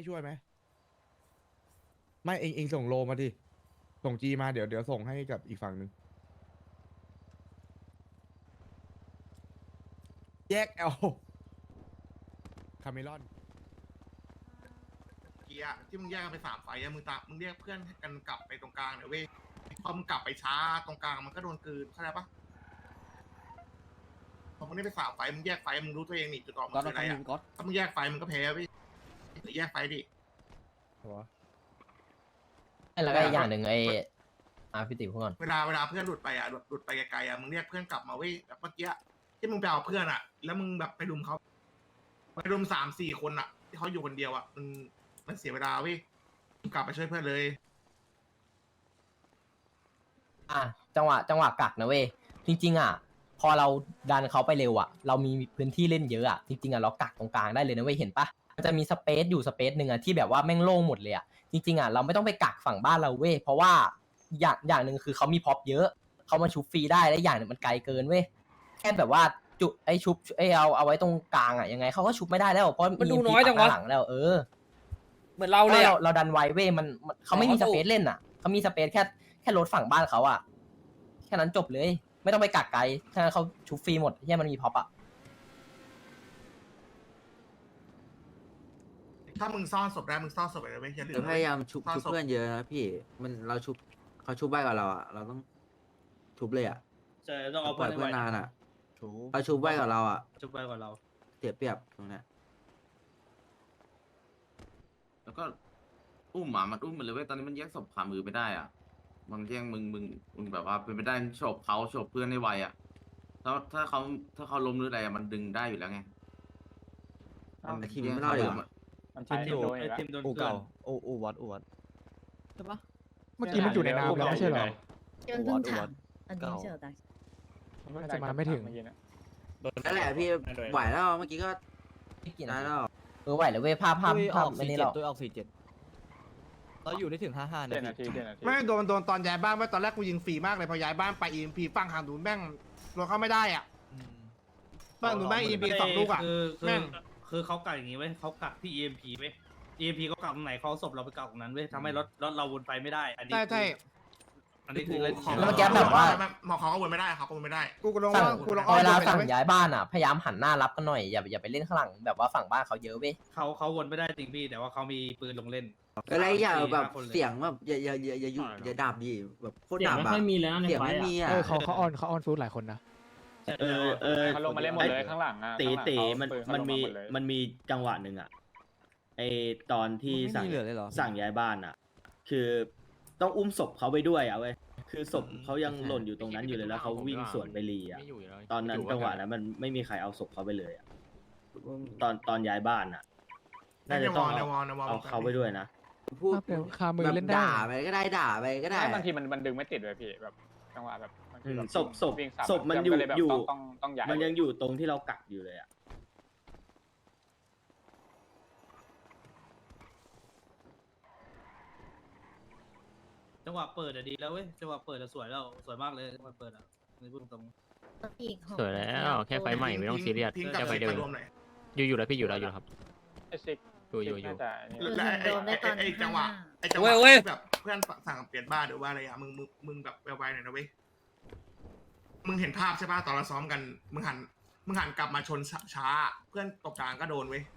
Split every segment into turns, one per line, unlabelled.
ให้ช่วยไหมไม่เองส่งโลมาดิส่งจีมาเดี๋ยวส่งให้กับอีกฝั่งหนึ่งแยกเอาคาเมลอน
เกียร์ที่มึงแยกกันไป3 ไฟอะมึงเรียกเพื่อนกันกลับไปตรงกลางหน่อยเว้ยพอมึงกลับไปช้าตรงกลางมันก็โดนกลืนเข้าใจปะพอมึงได้ไป3 ไฟมึงแยกไฟมึงรู้ตัวเองนี่จุดออกมันคืออะไรอะถ้ามึงแยกไฟมึงก็แพ้เว้ยแยกไฟดิ
แล้วก็อีกอย่างหนึ่งพี่ติ๋วพูดก่อน
เวลาเพื่อนหลุดไปอ่ะหลุดไปไกลๆอ่ะมึงเรียกเพื่อนกลับมาเว้ยแบบเมื่อกี้ที่มึงไปเอาเพื่อนอ่ะ แล้วมึงแบบไปรุมเขาไปรุม3-4 คนอ่ะที่เขาอยู่คนเดียวอ่ะมันเสียเวลาเว้ยมึงกลับไปช่วยเพื่อนเลย
จังหวะกักนะเว้ยจริงๆพอเราดันเขาไปเร็วเรามีพื้นที่เล่นเยอะจริงๆเรากักตรงกลางได้เลยนะเว้ยเห็นปะมันจะมีสเปซอยู่สเปซหนึ่งที่แบบว่าแม่งโล่งหมดเลยจริงๆเราไม่ต้องไปกักฝั่งบ้านเราเว้ยเพราะว่าอย่างหนึ่งคือเขามีพ็อปเยอะเขามาชุบฟรีได้และอย่างหนึ่งมันไกลเกินเว้ยแค่แบบว่าจุชุบเอาไว้ตรงกลางยังไงเขาก็ชุบไม่ได้แล้วเพราะมันดูน้อยจังวะหลังแล้ว
เหมือนเราเลย
เราดันไวเว้ยมันเขาไม่มีสเปซเล่นเขามีสเปซแค่รถฝั่งบ้านเขาแค่นั้นจบเลยไม่ต้องไปกักไกลแค่นั้นเขาชุบฟรีหมดที่มันมีพ็อป
ถ้ามึงซ่อนศพได้มึงซ่อนศพไปเลยเว้ยอย่าลืม
พยายามชุบเพื่อนเยอะนะพี่เราชุบเขาชุบใบกับเราเราต้องชุบเลย
ใช่ต้องเอา
ปล่อยเพื่อนนานเขาชุบใบกับเรา
ชุบไปกว่าเรา
เสียเปรียบตรงนี้
แล้วก็อุ้มมันอุ้มมันเลยเว้ยตอนนี้มันแยกศพขามือไม่ได้บางแย่งมึงแบบว่าเป็นไปได้โฉบเขาโฉบเพื่อนให้ไวถ้าเขาล้มหรืออะไรมันดึงได้อยู่แล้วไง
ทีมไม่รอดเลย
มันทีมโดนทีมโดนเก่า
อูวัด
ใช่ปะเมื่อกี้มันอยู่ในน้ำแล้วไม่ใช่เหรอ
เพิ่งถามอันนี้เจอตา
จะมาไม่ถึง
นั่นแหละพี่ไหวแล้วเมื่อกี้ก็ได้แล้ว
ไหวเลยเว้ยภาพ
ไม่นี่หรอกตัวออก47เราอยู่ได้ถึง55นาที
ไม่โดนตอนย้ายบ้านว่าตอนแรกกูยิงฟรีมากเลยพอย้ายบ้านไป EMP ฝั่งหางดูแม่งรถเข้าไม่ได้ฝั่งดูแม่ง EMP 2 ลูกแม่ง
คือเขากักอย่างงี้เว้ยเขากักที่ EMP เว้ย EMP เขากักตรงไหนเขาศพเราไปกักตรงนั้นเว้ยทำให้รถเราวนไปไม่ได้อันนี้
ใช่
อันนี้คือเล่น
แล้วเมื่อกี้แบบว่า
หมอเขาก็วนไม่ได้ครับก็วนไม่ได้
กูลอง
เวลาฝั่งย้ายบ้านพยายามหันหน้ารับกันหน่อยอย่าไปเล่นข้างหลังแบบว่าฝั่งบ้านเขาเยอะเว้ย
เขาวนไม่ได้จริงพี่แต่ว่าเขามีปืนลงเล่น
อะไรอย่าแบบเสียงแบบอย่าดับดิแบบโคตรดับ
ไม่ค่อยมีแล้วในไฟ
เขาออนฟูดหลายคนนะ
เขาลงมาเล่นหมดเลยข้างหลัง
ตีมันมีจังหวะหนึ่งไอตอนที่สั่งย้ายบ้านคือต้องอุ้มศพเขาไปด้วยเว้ยคือศพเขายังหล่นอยู่ตรงนั้นอยู่เลยแล้วเขาวิ่งสวนไปรีตอนนั้นจังหวะนั้นมันไม่มีใครเอาศพเขาไปเลยตอนย้ายบ้านน่าจะต้องเอาเขาไปด้วยนะ
พูด
คามือเล่นได้
ด่าไปก็ได้
บางทีมันดึงไม่ติดเลยพี่แบบจังหวะแบบ
ศพมันอยู่มันยังอยู่ตรงที่เรากักอยู่เลย
จังหวะเปิดดีแล้วเว้ยจังหวะเปิดสวยแล้วสวยมากเลยจังหวะเปิดนี่พูดตรง
สวยแล้วแค่ไฟใหม่ไม่ต้องซีเรียสแค่ไฟเดิมอยู่แล้วพี่อยู่แล้วอยู่ครับอยู่
ไอ้จังหวะแบบเพื่อนสั่งเปลี่ยนบ้านหรือว่าอะไรมึงแบบไวๆหน่อยนะเว้ยมึงเห็นภาพใช่ป่ะตอนเราซ้อมกันมึงหันกลับมาชนช้าเพื่อนตกกลางก็โดนเว้ย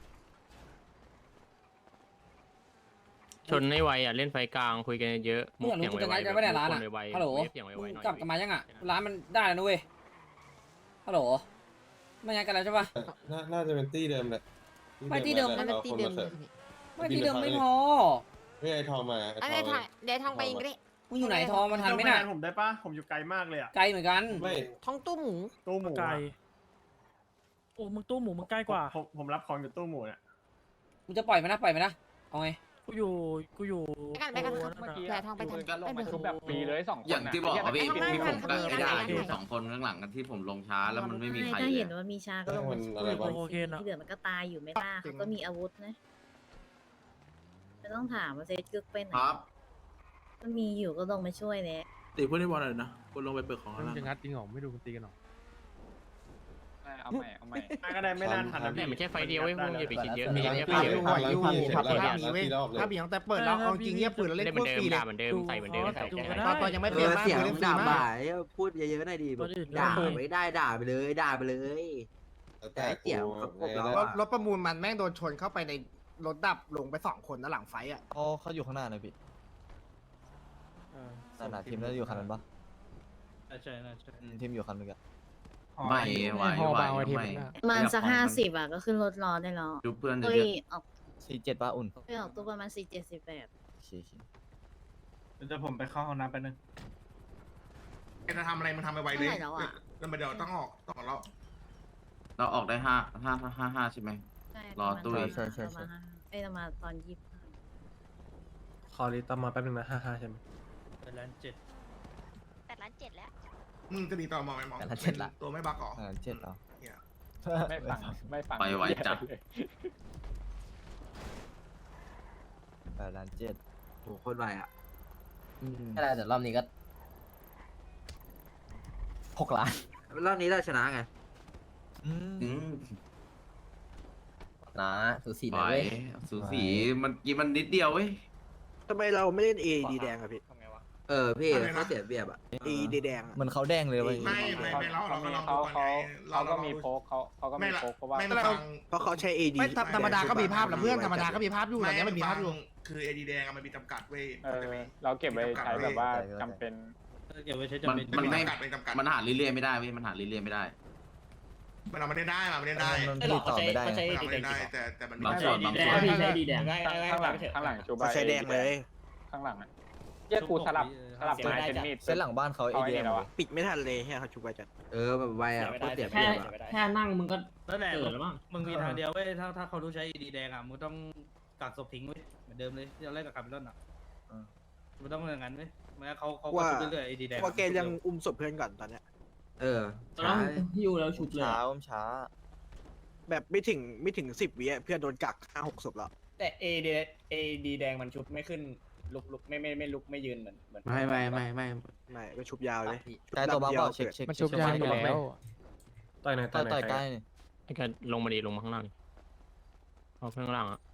ชนให้ไวเล่นไฟกลางคุยกันเยอะ
มุกเสียงไวๆไม่ได้ร้านฮัลโหลกลับมายังร้านมันได้แล้วนะเว้ยฮัลโหลไม่ยังกันแล้วใช่ป่ะ
น่าจะเป็นตี้เดิมแหละ
ไม่ที่เดิมไม่ที่เดิม
ไม่พอ
ไม่ไอทองมา
เดี๋ยวทองไปอีกดิ
มึงอยู่ไหนทองมันทันไหมน่ะ
ผมได้ปะผมอยู่ไกลมากเลย
ไกลเหมือนกัน
ไม่
ทองตู้หมู
ไกล
โอ้มึงตู้หมูมึงใกล้กว่า
ผมรับของอยู่ตู้หมูเนี่ย
มึงจะปล่อยมันนะเอาไง
กูอยู่ไปกันแผลทองไปทัน
ลงมาชุบแบบปีเลย2 คน
อย่างที่บอกพี่ผมกัดไม่ได้2 คนข้างหลังกันที่ผมลงช้าแล้วมันไม่มีใคร
ถ้าเห็นว่ามีชาก็ลงมาที่เหลือมันก็ตายอยู่ไม่ล่าเขาก็มีอาวุธนะไม่ต้องถามว่าเซตกึกเป็น
ครับ
มันมีอยู่ก็ลงมาช่วยเนี่ย
ตีเพื่อนที่บอลเลยนะคนลงไปเปิดของแล้ว
จะงัดจริงหรอไม่ดูมันตีกันหรอ
เอาใหม่ก็ได้ไม่นานทันนะ
เนี่ยมันแค่ไฟเดียวเว้ยพวกมึงอย่าไปคิดเยอะ
มี
มี
ภา
แค่
พ
ไฟเดียว
อยู่ภาพมีเว้ยภาพมีตั้งแต่เปิดแล้วเอาจริงเงียบปืนแล้วเล่
เล่
น
นเห
โค
มือน
ตร
เดิ
ฟ
ม
รีเลย
ด่าเหมือนเดิมใส่เหมือนเดิม
ตอนยังไม่เปลี่ยนมาก
เสียง
เล่นฟรี
ด่าม
าก
บ่ายพูดเยอะๆหน่อยดิด่าไม่ได้ด่าไปเลยด่าไปเลย
แต่กู
เสียงเขาครบแล้ว
รถประมูลมันแม่งโดนชนเข้าไปในรถดับลงไป2 คนนะหลังไฟอ่ะ
เขาอยู่ข้างหน้านะพี่หน้าทีมน่าจะอยู่คันนั้นปะ
ใช่
ทีมอยู่คันนึงอะ
ไม่ไหวไม่
มันสัก50อ่ะก็ขึ้นรถรอได้แล้ว
ดูเพื่อน
เฮ้
เย
ย
อะ
ออก
47ป่ะอุ่น
ไปออกตัวประมาณ47-48
โอเค
จะผมไปเข้าห้องน้ำไปนึง
จะทำอะไรมันทำไปไวเลยแล้วมันเดี๋ยวต้องออกแล้ว
เราออกได้5ใช่ไหม
ใช่
รอตุ้ย
ประมาณเรามาตอน25
ขอรีตอมาแป๊บนึงนะ55ใช่ไหม8 ล้าน
แล้ว
มึงจะมีต่อมอไหมมองตัวไม่บักหรอ
7เหรอ
ไม่ฟัง
ไปไวจัด
8 ล้าน 7
โหโคตรไวอ่ะ
ไม่ได้แต่รอบนี้ก็6 ล้าน
รอบนี้เราชนะไง
นะสูสี
ไหว
นะเว้ย
สูสีมันนิดเดียวเว้ย
ทำไมเราไม่เล่น AED แดงอะพี่
พี่เขาเสียเปรียบอ่ะ
AED แดง
เหมือนเขาแดงเลยเว้ย
ไม่เราก็ลองดูก่อนไงเราก็มีโพกเขาก็มีโพกเพราะว่าไม่ฟัง
เพราะเขาใช้ AED ไม่ธรรมดาก็มีภาพแล้วเพื่อนธรรมดาก็มีภาพอยู่ตอนนี้มันมีภาพอยู่ คือ AED แดงมันมีจำกัดเว้ยเราเก็บไว้ใช้แบบว่าจำเป็น
เก็บไว้ใช้
มัน
จำเป็น
ไม่
จำกัด
มันหาเรื่อยๆไม่ได้เว้ยมันหาเรื่อยๆไม่ได้
เราไม่ได้ได้เราไม่ได้ได้
มันผลิตต่อไม่ได้
เราไม่ได้ได้แต่มัน
บางส่วน
ใช้ดีแดงข้างหลังชูใบใช้แดงเลยข้างหลังแยกกูสลับไม้เป็นมีด
เส้นหลังบ้านเขาเอเดียม
ปิดไม่ทันเลยเขาชุบไปจัด
แบบไวอ่ะโคตรเสียเปรียบอ่ะ
แค่นั่งมึงก็
นั่นแหละมึงมีทางเดียวเว้ยถ้าเขารู้ใช้ดีแดงอ่ะมึงต้องกักศพทิ้งไว้เหมือนเดิมเลยที่เราเล่นกับคาร์บิลอนอ่ะมึงต้องอย่างนั้นเว้ยไม่งั้นเขาชุบเรื่อยๆดีแดง
ว่าแกยังอุ้มศพเพื่อนก่อนตอนเนี้ย
ช้า
หิวแล้วฉุบเลย
ช้า
แบบไม่ถึง10 วิเพื่อนโดนกัก5-6 ศพแล้ว
แต่เอดีแดงมันชุบไม่ขึ้นลุกไม่ลุกไม่ยืนเหมือน
ไม่
ไปชุบยาวเลย
ใกล้ตัวบ้าเปล่าเช็ค
มันชุบยางอยู่แล้วต่อยไหน
ต่อยใกล้
ไอ้การลงมาดีลงมาข้างล่างเอาข้างล่างอ่ะ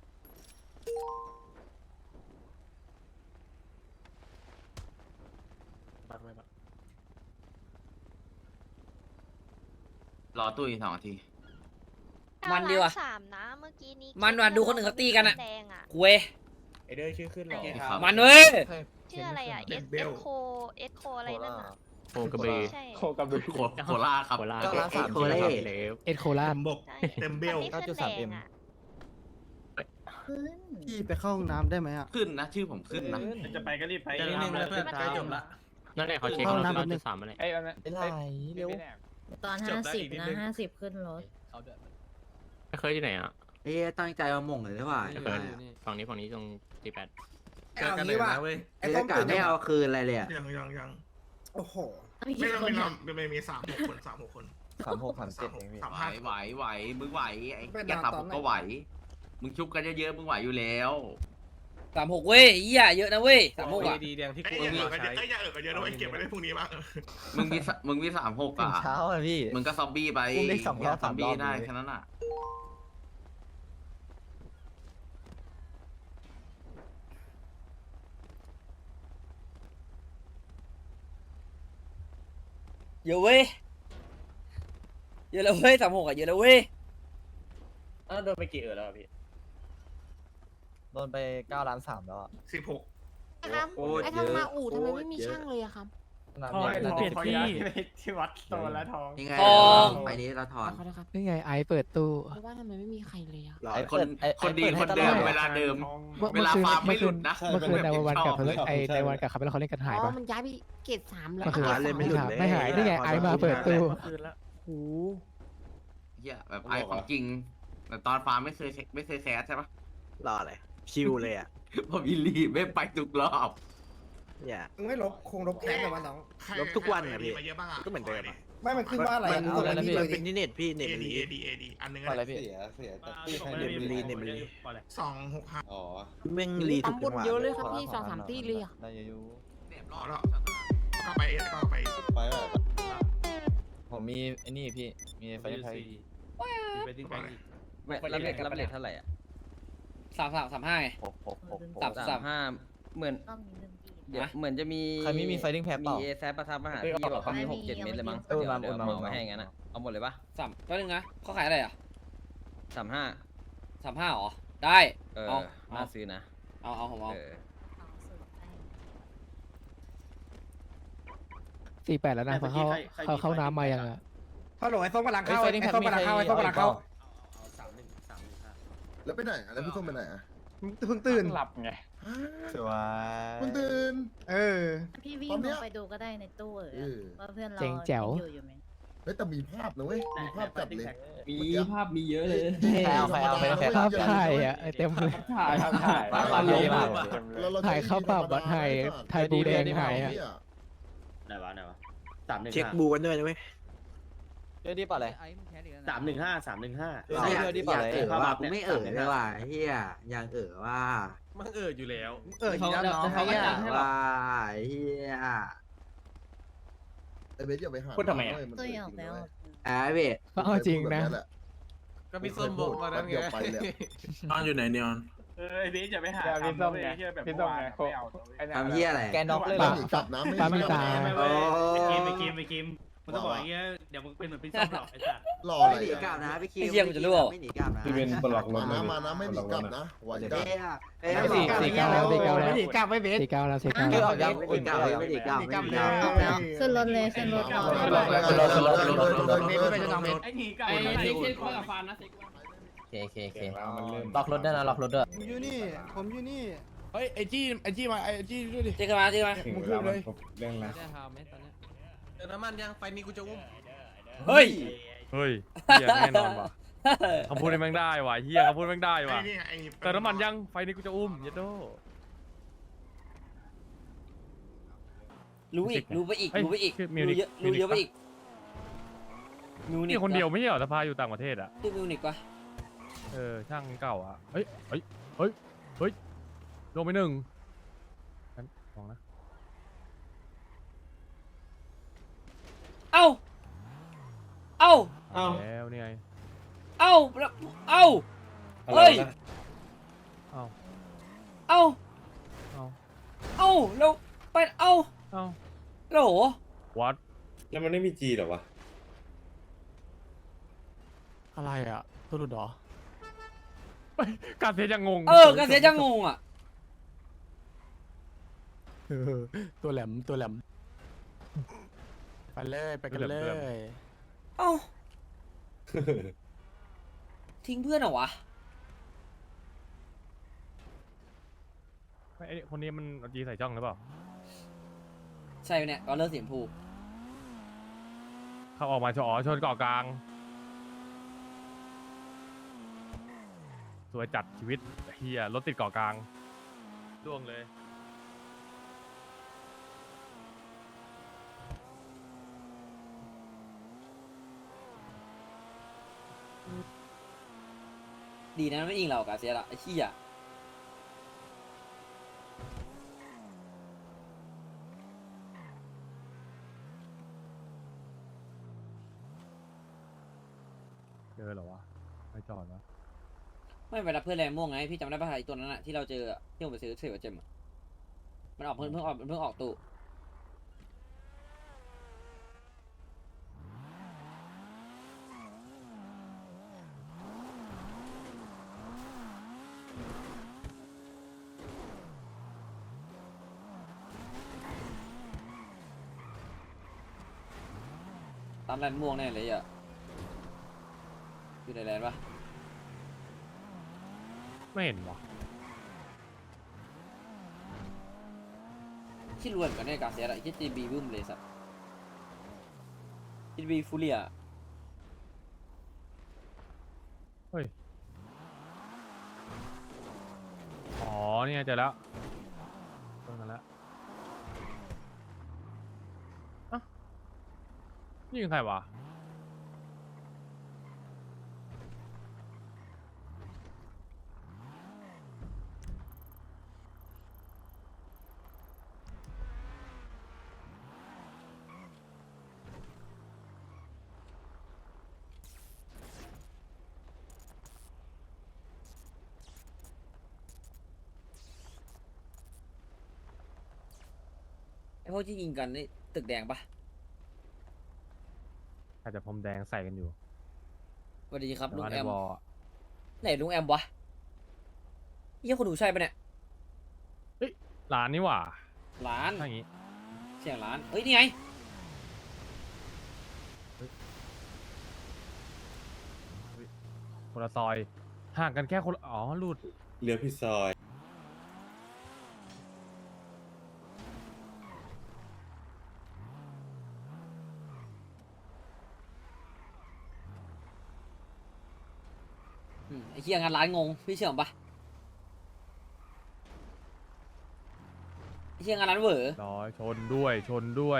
รอตุ้ย2 นาที
มันดีว่ะ
3นะเมื่อกี้นี้
มันว่ะดูคนอื่นเขาตีกันอะ
แดงอ่ะ
เว้ย
ไอเดอร์ชื่อขึ้นหรอ
มันเว้ย
ชื่ออะไรอ่ะเอสโคอะไรนั่นอ่ะ
โคกระบือ
ใช่
โคล่าครับ
โคราช
9 ล้าน 3
โคราชเลย
เอ็ดโคราช
เต็มเบล
มันไม่ขึ้นแดงอ่ะขึ้น
พี่ไปเข้าห้องน้ำได้ไหมอ่ะ
ขึ้นนะชื่อผมขึ้นนะ
จะไปก็รีบไปนิดนึงแล้วเพื่อนใกล้จบละ
นั่นแหละเขาเช็คเรา9.3อะไร
ไม่ไหลเร็ว
ตอน50นะ50ขึ้นรถ
ไม่เคยที่ไหนอ่ะ
ตั้งใจมาหม่งเลยหรือเปล่า
ไม่เคยฝั่งนี้ตรง48
เอางี้ว่าไอ้
ไอ้
ต้
ต้
ม
กา
ตุ๋น
ไม่เอาคืนอะไรเลย
ยัง
โอ้โห
ไม่เรามี3-6 คน 3-6 คน
36 37เองพี่
ไหวมึงไหวไอ้แกทำผมก็ไหวมึงชุบกันเยอะๆมึงไหวอยู่แล้ว
36เว้ยเหี้ยเยอะนะเว้ย36อ่ะ
ดีแดงที่กู
อย่ากันเยอะด้วยเก็บไว้ได้พรุ่งนี้บ้าง
มึงมี36
เช้าอ่ะพี่
มึงก็ซอมบี้ไป
อุ้มได้2 รอบ
ซอมบี้
3 รอบ
ได้แค่นั้นอ่ะ
เยอะเว้ยเยอะแล้วเว้ย36อ่ะเยอะแล้วเว้ย
โดนไปกี่แล้วพี่
โดนไป9 ล้าน 3แล้วอ่ะ
16
ครับไอ้ทำมาอู่ทำไมไม่มีช่างเลยอะครับ
ทองเปลี่ยนที่วัดโตแล้วทอง
ยังไงไปนี้เราถอน
นี่ไงไอเปิดตู้
เพราะว่าทำไมไม่มีใครเลยอะ
คนดีคนเดิมเวลาเดิมเวลาฟาร์มไม่หลุดนะ
เมื่อคืนในวันกับในวันกับคาร์เบลเขาเล่นกันหาย
อ๋
ปะ
อมันย้ายไปเกรด3แล้ว
เมื่อคืนไม่หายนี่ไงไอมาเปิดตู้โอ้
เหี้ยแบบไอของจริงแต่ตอนฟาร์มไม่เคยแคสใช่ปะ
รออะไรชิวเลยอ่ะ
ผมอิลีไม่ไปทุกรอบ
อย่า
มึงไม่ลบแค้นแต่ว่าน้อง
ลบทุกวันอะพี่
มาเยอะบ้างอ่ะ
ก็เหมือนเดิมอะ
ไม่มันขึ้นว่าอะไร
มัน
เอาอะไรนี่เลย
เป็นที่เน็ตพี่เน็ต
เอ
มัน
ดี
รี
เอดีอันนึง
อะไรพี่
เสียแต่ที่
ไม่
ให้
ได้
เรียน
มี
รู้
265
อ๋อ
แม่งรีทุกจังหวะ
เยอะเลยครับพี่2-3ตีเลยอะ
ได้อยู่
รอแล้วก็ไป
ไปแบบ
ผมมีไอ้นี่พี่มีไฟไทย
ไปทิ้งไปอีก
รับเลทเท่าไหร่อ่ะ
35ไง
เหมือน
ต้องมีเรื่องที่
เดี๋ยวเหมือนจะมีใครมีไฟติ้งแพดเปล่ามีเอแซประทับมาหาพี่บอกเขามี6-7 เม็ดเลยมั้งเดี๋ยวเอามาให้งั้นอ่ะเอาหมดเลยปะ
แป๊บนึงนะเขาขายอะไรอ่ะ
35
35เหรอได้เอา
น่าซื้อนะ
เอาผมเอา
48แล้วนะ
เพราะเข้าน้ำมายังอ่ะ
ฮัลโหลไอ้ส้มกำลังเข้าไอ้ส้มกำลังเข้าไอ้ส้มกำลังเข้า
แล้วไปไหนอะไรพี่ส้มไปไหนอ่ะ
เพิ่งตื่น
หลับไง
สวย
มันตื่น
พี่วิ่งลงไปดูก็ได้ในตู้ว่าเพื่อนเราอยู่ไหม
เฮ้ยแต่มีภาพนะเว้ยมีภาพจัดเลย
มีภาพมีเยอะเลย
ใครเอาไปภาพถ่ายอ่ะเต็มเลย
ถ่าย
ถ่ายเข้าปรับว่าถ่ายบูแดงถ่ายอ่ะ
ไหนวะ315
เช็คบูกันด้วยนะเว้ย
เดี๋ยวดีป่ะเลย
315
อยากว่ากูไม่เลยว่ะเฮียยังว่า
มันอยู่แล้ว
อีกแล้วน้องเขาก็จัดให้หรอ
ว่าเฮีย
ไอ้เบสอย่าไปหา
ตัวหยอกแล้ว
เว้ย
จริงนะ
ก็พี่ส้มบอกมาแล้วไง
ไปแล้ว
นอนอยู่ไหนเนี่ย
ไอ้เบสอย่าไปหา
พี่ส้มไงพี่ส้มไง
ทำเฮียอะไร
แกน็อกเลย
ปามีจับนะไม่ตาย
ไปกิมมึงต้องบอกอย่างเงี้ยเดี๋ยวมึงเป็นเหมือนพี่ส้มหรอกไอ้สัตว์
หล่อ
ไม่
เล
หนี
ย
กลับนะพี่คิวไม่หนีกลับนะ
มานะไม่หนีกลับนะไหวได้
ไม่หนีกลับไม่เบส
คือออกยังไม่หนีกลับไม่หนีกลับไม่หนีกลับ
แล้วขึ้นรถเลยขึ้นรถต่อ
เบสไม่เป็นน้องเบส
ไอ้หนีไก่
เซ็กคอยกับฟานนะ
เคล็อกรถด้วยนะล็อกรถด้วย
ผมอยู่นี่
เฮ้ยไอจี้มาไอจี้ด้วยดิ
เจ๊กันมา
มึงขึ้นเลย
เติมน้ำมันยังไฟนี้กูจะอุ้ม
เฮ้ย
เฮ้ยเฮียแน่นอนว่ะคำพูดนี้แม่งได้ว่ะเฮียคำพูดแม่งได้ว่ะแต่น้ำมันยังไฟนี้กูจะอุ้มยัดโด
รู้ไปอีกรู้เยอะไปอีก
นี่คนเดียวไม่ใช่เหรอสภาอยู่ต่างประเทศอ่ะ
ชื่อมิวนิกวะ
ช่างเก่าอ่ะเฮ้ยลงไป1งั้นลองนะ
เอ้า
แล้วนี่ไง
เฮ้ย เอ้า แล้วไปโหล
วัด
แล้วมันไม่มีจีหรอวะ
อะไรอ่ะตัวหลุดหรอการเสียยังงง
กันเสียจะงงอ่ะ
ตัวแหลมไปเลยไปกันเลย
เอ้า ทิ้งเพื่อนเหรอวะ
ไอคนนี้มันเอาจีใส่จ้องหรือเปล่า
ใช่เนี่ยก็เลิกเสียงผู
เขาออกมาชนเกาะกลางสวยจัดชีวิตเฮียรถติดเกาะกลางล่วงเลย
ดีนะไม่ยิงเรากาเซียละไอ้ขี้อ่ะ
เจอเหรอวะไม่จอดวะ
ไม่ไปรับเพื่อนแรงม่วงไงพี่จำได้ป่ะไอ้ตัวนั้นอะที่เราเจอที่ผมไปซื้อเทวเจมมันออกเพิ่งออกตู้ตามแลนม่วงแน่เลยอ่ะอยู่ในแลนปะ
ไม่เห็นวะ
ที่รวนกันเนี่ยกาเซียอะไรที่จีบีบึ้มเลยสัตว์จีบีฟูเรีย
เฮ้ยอ๋อนี่ไงเจอแล้วตรงนั้นแล้วอ่ะนี่เป็นใครวะ
พวกที่ยิงกันนี่ตึกแดงปะ
อาจจะพรมแดงใส่กันอยู่
สวัสดีครับ
แต่
ลุง
ว่า
แอ
ใน
ม
วอล
ไหนลุงแอมวะเยี่ยคนดูใช่ปะเนี่ย
ร้านนี่หว่า
ร้าน
ถ้าอย่างงี้
เสียงร้านเฮ้ยนี่ไง
คนละซอยห่างกันแค่คนละอ๋อหลุด
เรือพี่ซอย
ไอ้เหี้ยงานร้านงงพี่เชื่อผมปะไอ้เหี้ยงานร้านเหวอ
ร้อยชนด้วยชนด้วย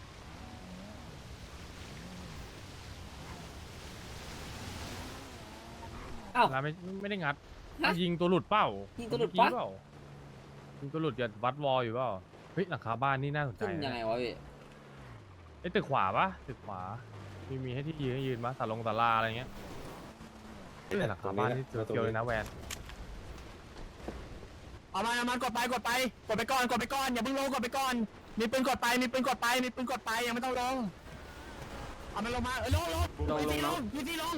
อ้าว
ร้านไม่ได้งัด
ฮะ
ยิงตัวหลุดเปล่า
ยิงตัวหลุด
เมื่อ
ปะ
กี้เปล่ายิงตัวหลุดอย่าวัดวอลอยู่เปล่าเฮ้ยหลังคาบ้านนี่น่าสนใจ
ขึ้นยังไง
นะ
วะพี่
ไอ้ตึกขวาปะตึกขวามีให้ที่ยืนปะศาลาอะไรเงี้ยแต่หลังคาบ้านนี่เกี่ยวเลยนะแวน
เอามันกดไปกดไปก่อนอย่าเพิ่งลงกดไปก่อนมีปืนกดไปยังไม่ต้องลงเอามันลงมาลงทีซีลง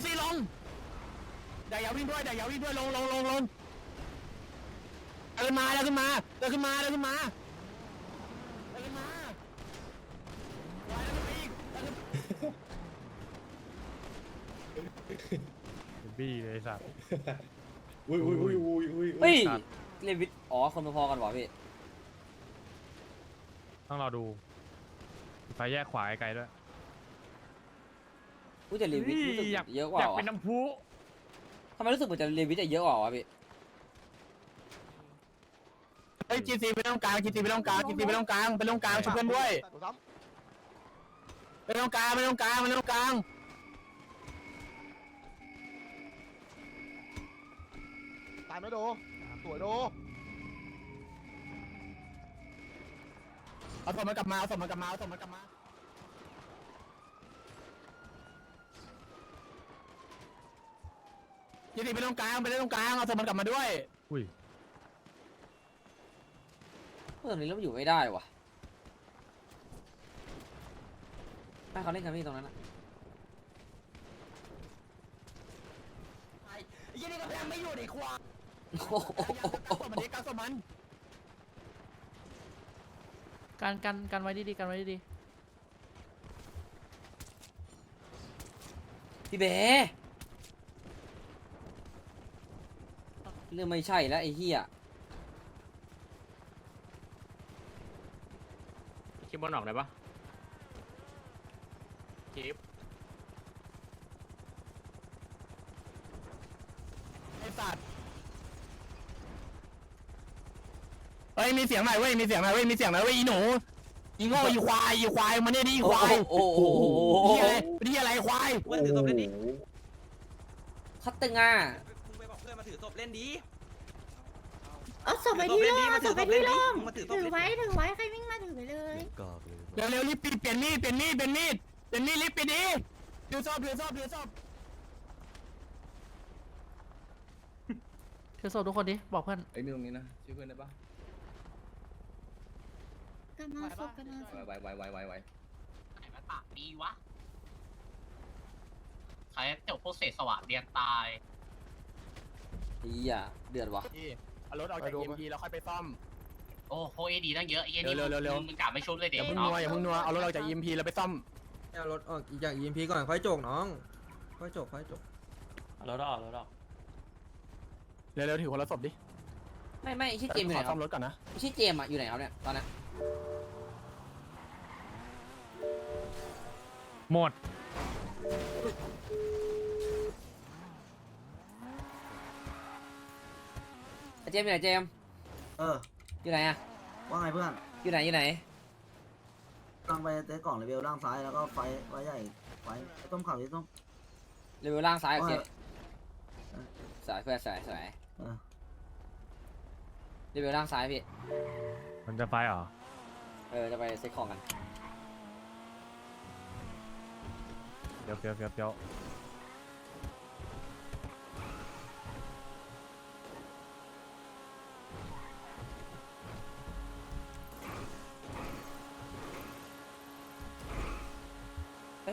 อย่าวิ่งด้วยลงเดินมา
บี้เลยไอ้สัตว์
อุ้ย
เฮ้ยเลวิทอ๋อคนพอๆกันวะพี่
ต้องรอดูไฟแยกขวาไกลๆด้วย
อุ้ยแต่เลวิทรู้สึก
อยาก
เยอะกว่า
อยาก
วะ
เป็นน้ำพุ
ทำไมรู้สึกเหมือนจะเลวิทจะเยอะกว่าวะพี่
จีซีไปตรงกลางชุบเพื่อนด้วยไปตรงกลาง
ตายไหมโดสวยโด
เอาศพมันกลับมาจีซีไปตรงกลางเอาศพมันกลับมาด้วย
อุ้ย
เมื่อตรงนี้เราอยู่ไม่ได้วะให้เขาเล่นกันพี่ตรงนั้นนะ
ยี่นี่ก็ยังไม่อยู่ในควาย
โอ้โห
กัสมัน
กันไว้ดีๆกันไว้ดี
พี่เบ๋เรื่องไม่ใช่แล้วไอ้เหี้ย
คิดบอลออกได้ปะคิป
ไอ้สัตว์เฮ้ยมีเสียงหน่อยเว้ยอีหนูอีโง่อีควายมาเนี่ยดิอีควาย
โอ้โห
นี่อะไรควาย
เพื่อนถือศพเล่นดิ
คัตตึงอ่ะ
มึงไปบอกเพื่อนมาถือศพเล่นดิ
เอาศพไปที่โล่งเอาศพไปที่โล่ง
มาถือศพ
ถือไว้ใครวิ่งมาถือไปเลย
เร็วรีบปิดเปลี่ยนมีดรีบปิดดิถือศพ
ๆถือศพทุกคนดิบอกเพื่อน
ไอ้นี่ตรงนี้นะชื่อเพื่อนได้ปะ
กำลังศพ
ไว
ไหนมาปากดีวะใครจบพวกเศษสวะเรียนตาย
เหี้ยเดือดวะ
เอารถออกจาก EMP แล้วค่อยไปซ่อม
โอ้โหเอดีตั้งเยอะไอ้เหี้ยนี่
เร็ว
มึงกลับไม่ชุบเลยเด็
อก ย่าเพิ่งนัวเอารถออกจาก EMP แล้วไปซ่อม
เอารถออกจาก EMP ก่อนค่อยโจกน้องค่อยโจก
รถออก
เร็วถือคนละศพดิ
ไม่ไอ้ชื่อเจมส์อยู่ไหนค
ซ่
รั
อบ มรถก่อนนะ
ไอ้ชื่อเจมส์อะอยู่ไหนครับเนี่ยตอนนี้
หมด
ไอ้เจมส์อยู่ไหนเจมส์ อยู่ไหนอะ
ว่าไงเพื่อน
อยู่ไหน
ตั้งไปเตะกล่องเลเวลล่างซ้ายแล้วก็ไฟใหญ่ไฟต้มข่าวที่ต้ม
เลเวลล่างซ้ายโอเคสายเพื่อนสายเลเวลล่างซ้ายพี่
มันจะไฟเหรอ
จะไปเซ็ตของกัน
เดี๋ยว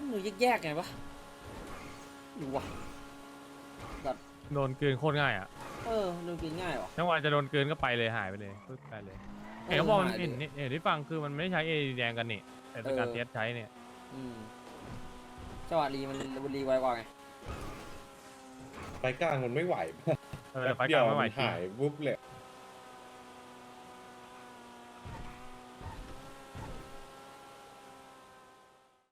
ดูแยกๆไงวะดูวะแบบ
โดนเกินโคตรง่ายอ่ะ
ดูกินง่ายวะ
จังหวะจะโดนเกินก็ไปเลยหายไปเลยปึ๊บไปเลยเห็นเขาบอกเห็นที่ฟังคือมันไม่ใช้เอแดงกันนี่แต่เป็นการเทสใช้เนี่ย
จังหวะรีมันรีไวกว่าไง
ไฟกลางมันไม่ไหว
ไฟกลางไม่ไหวจริง
หายวุบเลย